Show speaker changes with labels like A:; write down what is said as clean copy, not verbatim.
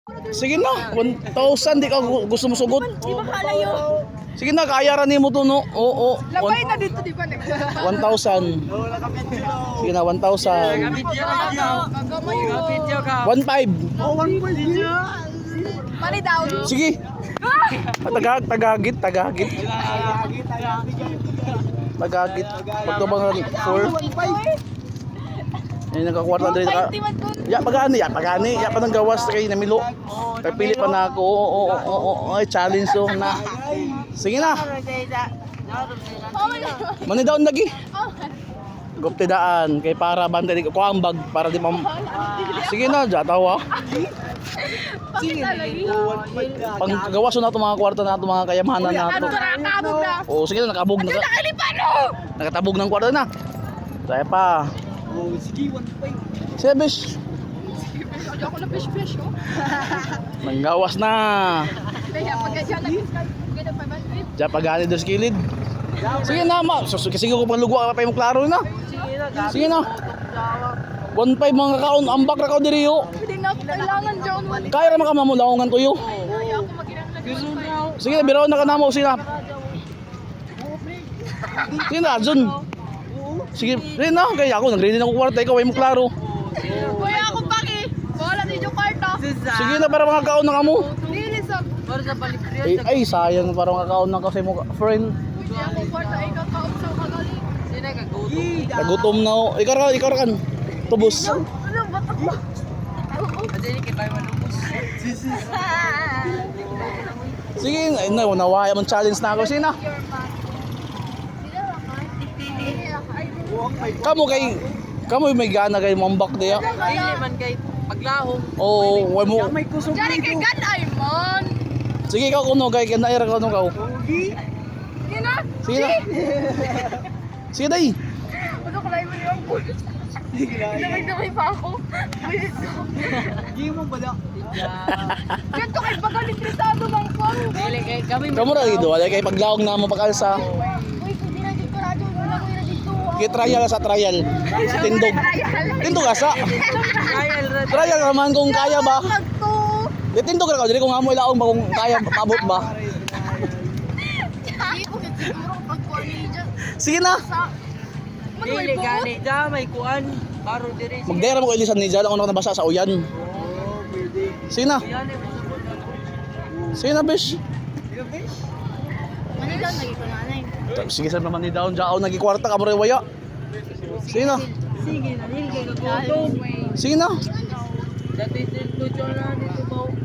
A: Sige na, 1,000 di ka gusto mo sugod.
B: Di ba kalayo?
A: Sige na, kaya ra nimo to no. Oo,
B: Labay na dito, di ba?
A: 1,000. Sige na, 1,000.
B: Gagamay mo.
A: 1,500.
B: Money down.
A: Sige. Tagagit. Tagagit. Pagtubang 4. Ay nagkakwarta diri ka. Ya pagani. Ya pa nang gawas kay namilo. Kay pili pa na ako. Oo. Ay challenge so na. Sige na. Mani daw lagi. Gupte daan kay para bantay ko ang bag para di mam. Sige na, jatawa.
B: Sige lagi.
A: Pang kagawas na to mga kwarta na to mga kayamanan na to.
B: Nakabog na.
A: Oo, sige na nakabog na.
B: Nakalipano.
A: Nakatabog ng kwarta na. Saya pa. Sige, bish.
B: Ako na fish oh.
A: Manggawas na.
B: Kaya pag ganyan ganda pa ba?
A: Diyan pagani dos kilid. Sige na, ma. Sige ko pang lugwa pa mo klaro na. Sige na. 1,500 mga kaon ambak ra ka diri yo.
B: Hindi na kailangan John.
A: Kaya ra makamamulaongan tuyo.
B: Kaya ako magirang lagi.
A: Sige, biraw na kanamo sila. Sige na, Jun. Sige, rin na. Kaya ako, nag-ready na ko kwarta. Ikaw ay mo klaro.
B: Kuya ako paki. Wala ni yung karta.
A: Sige na, para mga kaon ng amo.
B: Nilisap.
A: Ay, sayang para mga kaon ng kasi mo friend.
B: Hindi ako kwarta ay kakaon sa kagaling. Sino kagagutom?
A: Nagutom na ako. Ikaw ra kan. Tubos.
B: Ano batak ba?
A: Sige, ay, nawaya mong challenge na ako. Sige na. Kamu may gana kay mambak diya.
C: Dili man kay paglahom.
A: Oo, way mo.
B: Diyan kay ganay man.
A: Sige ikaw kuno kay kanaira kuno ka.
B: Sige na.
A: Sige na. Sige dai.
B: Ano ko lang mo yung pulis. Damay pa ako.
C: Di mo bala.
B: Ganto kay pagalit trisado mang pang.
C: Dili kay kami.
A: Kamu ra dito, wala kay paglaog na mo pakalsa.
B: Uy, hindi na dito radyo. Wala ko na dito.
A: Kay trial sa trial. Tindog. Tindog asa.
C: Trial ra.
A: Trial naman kung kaya ba.
B: Magto.
A: Tindog ra ka diri kung amo ilaong ba kung kaya paabot ba.
B: Hindi ko siguro pagkuha ni dyan.
A: Sige na.
C: Dili gani da may kuan. Baro diri.
A: Magdera mo ko ilisan ni Jala una ko nabasa sa uyan. Sige na. Sige na, bish.
B: Manila lagi ko nanay.
A: Sige sa naman ni Daon Jao nagikwarta ka mo rin waya. Sige na.
C: Sige na dili kay kagutom.
A: Sige na.
C: Dati dito na dito ba.